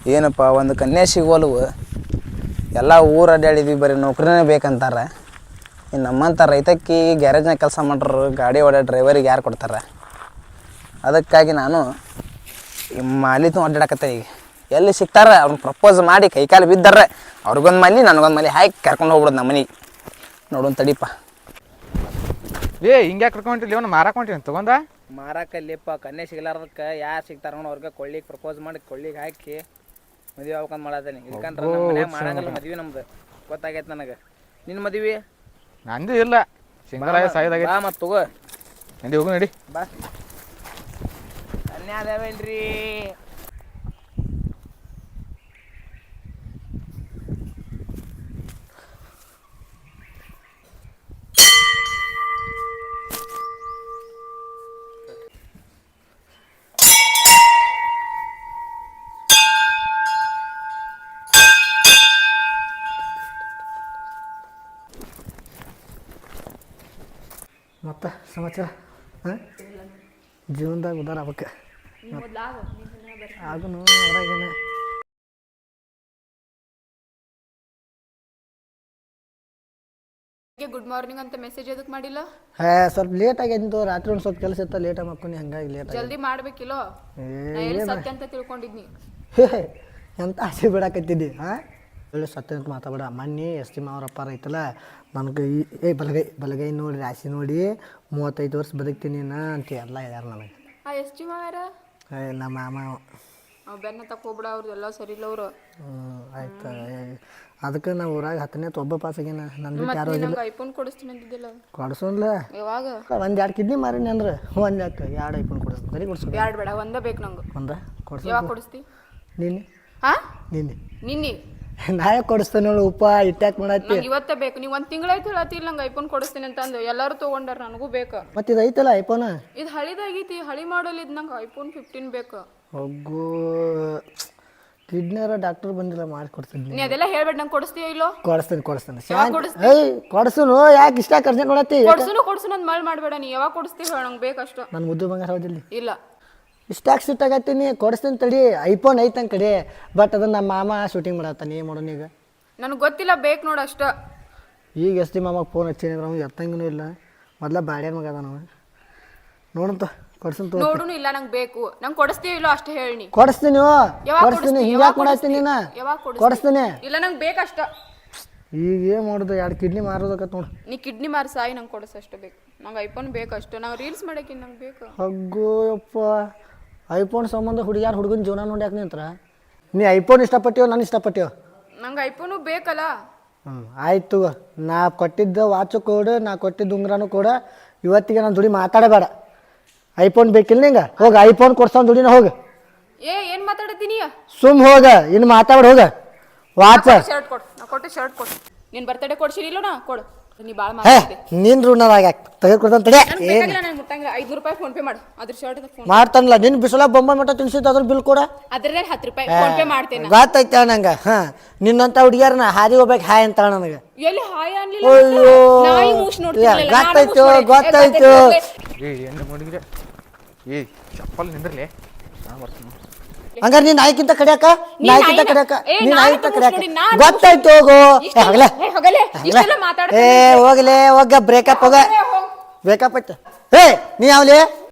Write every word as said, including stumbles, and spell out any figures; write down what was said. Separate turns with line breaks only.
ಏನಪ್ಪ ಒಂದು ಕನ್ಯೆ ಸಿಗೋಲ್ವು ಎಲ್ಲ ಊರು ಅಡ್ಡಾಡಿದ್ವಿ ಬರೀ ನೌಕರಿನೇ ಬೇಕಂತಾರೆ. ಇನ್ನು ನಮ್ಮಂಥ ರೈತಕ್ಕಿ ಗ್ಯಾರೇಜ್ನಾಗ ಕೆಲಸ ಮಾಡ್ರು ಗಾಡಿ ಓಡೋ ಡ್ರೈವರಿಗೆ ಯಾರು ಕೊಡ್ತಾರೆ? ಅದಕ್ಕಾಗಿ ನಾನು ಮಾಲಿತು ಅಡ್ಡಾಡಕತ್ತೆ. ಈಗ ಎಲ್ಲಿ ಸಿಗ್ತಾರೆ ಅವ್ರನ್ನ ಪ್ರಪೋಸ್ ಮಾಡಿ ಕೈಕಾಲು ಬಿದ್ದರೆ ಅವ್ರಿಗೊಂದು ಮಲಿ ನನಗೊಂದು ಮಲಿ ಹಾಕಿ ಕರ್ಕೊಂಡು ಹೋಗ್ಬಿಡೋದು ನಮ್ಮ ಮನೆಗೆ. ನೋಡೋಣ ತಡಿಪ.
ಏ ಹಿಂಗೆ ಕರ್ಕೊಂಟಿಲ್ಲ ಇವನು ಮಾರಾಕೊಂಟಿನಿ ತೊಗೊಂಡ
ಮಾರಾಕಲ್ಲಿಪ್ಪ ಕನ್ಯೆ ಸಿಗ್ಲಾರ್ದಕ್ಕೆ ಯಾರು ಸಿಗ್ತಾರ ಅವ್ರಿಗೆ ಕೊಳ್ಳಿಗೆ ಪ್ರಪೋಸ್ ಮಾಡಿ ಕೊಳ್ಳಿಗೆ ಹಾಕಿ ಮದುವೆ ಆಗ್ಬೇಕಂತ ಮಾಡತ್ತೇನೆ. ಇಲ್ಕಂದ್ರೆ ನಮ್ಮ ಮನ್ಯಾಗ ಮಾಡಂಗಿಲ್ಲ ಮದ್ವೆ ನಮ್ದು ಗೊತ್ತಾಗೈತೆ ನನಗೆ. ನಿನ್ನ ಮದುವೆ
ನಂದು ಇಲ್ಲ ಸಿಂಗಲ್ ಆಗಿ ಸಾಯ್ದಾಗೈತೆ.
ಬಾ ಮತ್ತು ತಗೋ
ನಂದಿ ಹೋಗು ನಡಿ
ಬಾ. ಕನ್ಯಾ ಅದಾವೇನ್ರಿ?
ಮತ್ತು ಸಮಾಚಾರ ಹಾಂ ಜೀವನದಾಗ ಉದಾರ ಆಗ್ಬೇಕು ಆಗುನು ಅದ್ರಾಗೇನೆ.
ಗುಡ್ ಮಾರ್ನಿಂಗ್ ಅಂತ ಮೆಸೇಜ್ ಎದಕ್ಕೆ ಮಾಡಿಲ್ಲ?
ಹೇ ಸ್ವಲ್ಪ ಲೇಟ್ ಆಗಿದ್ದು ರಾತ್ರಿ ಒಂದು ಸ್ವಲ್ಪ ಕೆಲಸ ಇತ್ತು ಲೇಟ್ ಮಾಡ್ಕೊಂಡು ಹಂಗಾಗಿ ಲೇಟ್ ಆಗಿ
ಜಲ್ದಿ ಮಾಡ್ಬೇಕಿಲ್ಲೋ. ಸತ್ಯ ಅಂತ ತಿಳ್ಕೊಂಡಿದ್ನಿ.
ಹೇ ಎಂತ ಆಸೆ ಬಿಡಾಕತ್ತಿದ್ದಿ ಹಾಂ ಒಳ್ಳೆ ಸತ್ಯ ಅಂತ ಮಾತಾಡ. ಮೊನ್ನೆ ಎಸ್ ಟಿ ಮಾವರಪ್ಪ ಐತಲ್ಲ ನನಗೆ ಈ ಏ ಬಲಗೈ ಬಲಗೈ ನೋಡಿ ರಾಶಿ ನೋಡಿ ಮೂವತ್ತೈದು ವರ್ಷ ಬದುಕ್ತೀನಿ ನಾ ಅಂತ ಎಲ್ಲ ಹೇಳ್ಯಾರ ನನಗೆ.
ಆ ಎಸ್ ಟಿ ಮಾವ್ಯಾರ?
ಏ ನಮ್ಮ ಮಾಮ
ಅವ್ ಬೆನ್ನ ತಕೋಬಿಡ ಅವ್ರದ್ದು ಎಲ್ಲ ಸರಿ ಇಲ್ಲ ಅವರು.
ಹ್ಞೂ ಆಯ್ತು. ಅದಕ್ಕೆ ನಾವು ಊರಾಗ ಹತ್ತನೇ ಒಬ್ಬ ಪಾಸ್ ಆಗ್ಯಾನ. ನನ್ನ ಬಿಟ್ಟು ಯಾರು ಹೋಗಿಲ್ಲ.
ಐಫೋನ್ ಕೊಡಿಸ್ತೀನಿ ಅಂತಿದ್ದಿಲ್ಲ
ಕೊಡ್ಸೋನ್ಲ
ಯಾವಾಗ?
ಒಂದು ಎರಡು ಕಿಡ್ನಿ ಮಾರಿನಿ ಅಂದ್ರೆ ಒಂದು ಯಾಕೆ ಎರಡು ಐಫೋನ್ ಕೊಡಿಸ್ ಬರೀ ಕೊಡ್ಸೋ
ಎರಡು ಬೇಡ ಒಂದೇ ಬೇಕು ನಂಗೆ.
ಒಂದ ಕೊಡ್ಸೋ.
ಯಾವಾಗ ಕೊಡಿಸ್ತಿ?
ನಿನ್ನೆ
ಹಾಂ
ನಿನ್ನೆ
ನಿನ್ನೆ
ನಾಳೆ ಕೊಡಿಸ್ತೇನೆ ನೋಡಿ. ಉಪ್ಪ ಇಟ್ಟಾಕ್ ಮಾಡತ್ತಿ.
ನಂಗೆ ಇವತ್ತೇ ಬೇಕು. ನೀವು ಒಂದು ತಿಂಗಳಾಯ್ತು ಹೇಳತ್ತಿಲ್ಲ ನಂಗೆ ಐಫೋನ್ ಕೊಡಿಸ್ತೀನಿ ಅಂತಂದು. ಎಲ್ಲರೂ ತೊಗೊಂಡಾರ ನನಗೂ ಬೇಕು.
ಮತ್ತು ಇದು ಐತಲ್ಲ ಐಫೋನ್
ಇದು ಹಳಿದಾಗೈತಿ ಹಳಿ ಮಾಡಲ್ ಇದು. ನಂಗೆ ಐಫೋನ್ ಫಿಫ್ಟೀನ್ ಬೇಕು.
ಹೋಗು ಕಿಡ್ನಿಯರ ಡಾಕ್ಟರ್ ಬಂದಿಲ್ಲ ಮಾಡಿ ಕೊಡ್ತೀನಿ.
ನೀ ಅದೆಲ್ಲ ಹೇಳ್ಬೇಡ. ನಂಗೆ ಕೊಡಿಸ್ತೀಯೋ ಇಲ್ಲೋ?
ಕೊಡಿಸ್ತೇನೆ ಕೊಡಿಸ್ತೇನೆ.
ಕೊಡಿಸ್ತಿ?
ಏಯ್ ಕೊಡ್ಸುನು ಯಾಕೆ ಇಷ್ಟ ಕರ್ಸೆ ನೋಡತ್ತಿ?
ಕೊಡ್ಸುನು ಕೊಡ್ಸುನು ಅಂತ ಮಳ್ ಮಾಡಬೇಡ. ನೀ ಯಾವಾಗ ಕೊಡಿಸ್ತೀವಿ ಹೇಳ ನಂಗೆ ಬೇಕಷ್ಟು.
ನನ್ನ ಮುದ್ದು ಬಂಗಾರ ಹೌದಿಲ್ಲ
ಇಲ್ಲ
ಇಷ್ಟಾಗಿ ಸಿಟ್ ಆಗತ್ತೀನಿ. ಕೊಡಿಸ್ತೇನೆ ತಡಿ. ಐಫೋನ್ ಐತಂಗೆ ಕಡೆ ಬಟ್ ಅದನ್ನ ನಮ್ಮ ಮಾಮ ಶೂಟಿಂಗ್ ಮಾಡತ್ತಾನೆ. ಏನು ಮಾಡೋಣ ಈಗ?
ನನಗೆ ಗೊತ್ತಿಲ್ಲ ಬೇಕು ನೋಡು ಅಷ್ಟ. ಈಗ
ಎಸ್ ಟಿ ಮಾಮಗೆ ಫೋನ್ ಹಚ್ಚೀನಿ ಅವ್ನು ಎತ್ತಂಗೂ ಇಲ್ಲ. ಮೊದಲ ಬಾಡ್ಯಾನ ಮಗ ಅದ ನಾವು ನೋಡಂತ ಕೊಡ್ಸಂತ
ನೋಡುನು ಇಲ್ಲ ನಂಗೆ ಬೇಕು. ನಂಗೆ ಕೊಡಿಸ್ತೀವಿ ಇಲ್ಲೋ ಅಷ್ಟೇ ಹೇಳಿ.
ಕೊಡಿಸ್ತೀನಿ
ಯಾವಾಗ
ಕೊಡಿಸ್ತೀನಿ.
ಕೊಡಿಸ್ತಿ?
ಹಿಂಗ್ಯಾಕೆ ಮಾಡತ್ತೀನಿ ನಾ?
ಯಾವಾಗ ಕೊಡಿಸ್ತಿ?
ಕೊಡಿಸ್ತೀನಿ.
ಇಲ್ಲ ನಂಗೆ ಬೇಕಷ್ಟ.
ಈಗ ಏನು ಮಾಡೋದು? ಎರಡು ಕಿಡ್ನಿ ಮಾರೋದಕ್ಕ ನೋಡು.
ನೀ ಕಿಡ್ನಿ ಮಾರಿ ಸಾಯಿ ನಂಗೆ ಕೊಡಿಸಷ್ಟು ಬೇಕು. ನಂಗೆ ಐಫೋನ್ ಬೇಕಷ್ಟು. ನಾವು ರೀಲ್ಸ್ ಮಾಡಕ್ಕೆ ನಂಗೆ ಬೇಕು.
ಹಗ್ಗೋ ಯಪ್ಪ ಐಫೋನ್ ಸಂಬಂಧ ಹುಡುಗ್ಯಾರು ಹುಡುಗನ ಜೀವನ ನೋಡಿ ಯಾಕೆ ನಿಂತ್ರ? ನೀ ಐಫೋನ್ ಇಷ್ಟಪಟ್ಟಿಯೋ ನಾನು ಇಷ್ಟಪಟ್ಟಿಯೋ?
ನಂಗೆ ಐಫೋನು ಬೇಕಲ್ಲ.
ಹ್ಞೂ ಆಯ್ತು. ನಾ ಕೊಟ್ಟಿದ್ದ ವಾಚು ಕೊಡು, ನಾ ಕೊಟ್ಟಿದ್ದ ಉಂಗ್ರನೂ ಕೊಡು. ಇವತ್ತಿಗೆ ನಾನು ದುಡಿ ಮಾತಾಡಬೇಡ. ಐಫೋನ್ ಬೇಕಿಲ್ಲ ನಿಂಗೆ? ಹೋಗ ಐಫೋನ್ ಕೊಡ್ಸೋನ್ ದುಡಿನ ಹೋಗ.
ಏ ಏನು ಮಾತಾಡತ್ತೀನಿ?
ಸುಮ್ ಹೋಗ. ಇನ್ನು ಮಾತಾಡ ಹೋಗ. ವಾಚ
ಶರ್ಟ್ ಕೊಡು. ನಾ ಕೊಟ್ಟು ಶರ್ಟ್ ಕೊಡು. ನೀನು ಬರ್ತಡೇ ಕೊಡ್ಸಿರಿ ಇಲ್ಲೋ? ನಾ ಕೊಡು. ನೀ ಭಾಳ
ಹೇ
ಮಾತಾಡ್ತಿ.
ನಿನ್ ಋಣದಾಗ ತೆಗೆದುಕೊಡ್ತಾನೆ ತಡೆ.
ನನಗೆ ಬೇಕಾಗಿಲ್ಲ. ನನಗೆ ಮುಟ್ಟಂಗಿಲ್ಲ. ಐದುನೂರು ರೂಪಾಯಿ ಫೋನ್ ಪೇ ಮಾಡು. ಅದ್ರ ಶರ್ಟ್ ಫೋನ್
ಮಾಡ್ತಾನಲ್ಲ ನಿನ್ನ ಬಿಸಿಲ ಬೊಂಬ ಮಟ್ಟ ತಿನ್ಸಿದ್ದು ಅದ್ರ ಬಿಲ್ ಕೊಡ.
ಅದ್ರಲ್ಲೇ ಹತ್ತು ರೂಪಾಯಿ ಫೋನ್ ಪೇ ಮಾಡ್ತೇನೆ.
ಗೊತ್ತೈತೆ ನಂಗೆ. ಹಾಂ ನಿನ್ನಂತ ಹುಡುಗಿಯಾರನ ಹಾದಿ ಹೋಗ್ಬೇಕು ಹಾಯ್ ಅಂತ ನನಗೆ.
ಎಲ್ಲಿ ಹಾಯ್ ಅನ್ಲಿಲ್ಲ?
ಅಯ್ಯೋ
ನಾಯಿ ಮೂಸ್ ನೋಡ್ತಿರ್ಲಿಲ್ಲ.
ಗೊತ್ತಾಯ್ತು ಗೊತ್ತಾಯ್ತು.
ಏ ಏನು ಮಾಡಿದ್ರೆ ಏ ಚಪ್ಪಲ್ ನಿಂದ್ರಲಿ ನಾ ಬರ್ತೀನಿ.
ಹಂಗಾರೆ ನೀನ್ ನಾಯ್ಕಿಂತ ಕಡಿಯಾಕ ನಾಯ್ಕಿಂತ ಕಡಿಯಾಕ
ಏ,
ನೀನ್
ನಾನು
ನಾಯ್ಕಿಂತ
ಮೂಸ್
ಕಡಿಯಾಕ
ನೋಡಿ, ನಾನು
ಗೊತ್ತಾಯ್ತು. ಹೋಗು ಹೋಗಲೇ
ಏ, ಹೋಗಲೇ. ಇಷ್ಟೆಲ್ಲ ಮಾತಾಡ್ತೀನಿ.
ಏ ಹೋಗಲೇ ಹೋಗ ಬ್ರೇಕಪ್ ಹೋಗ. ಬ್ರೇಕಪ್ ಆಯ್ತು. ಏ ನೀ ಯಾವ್ಲಿ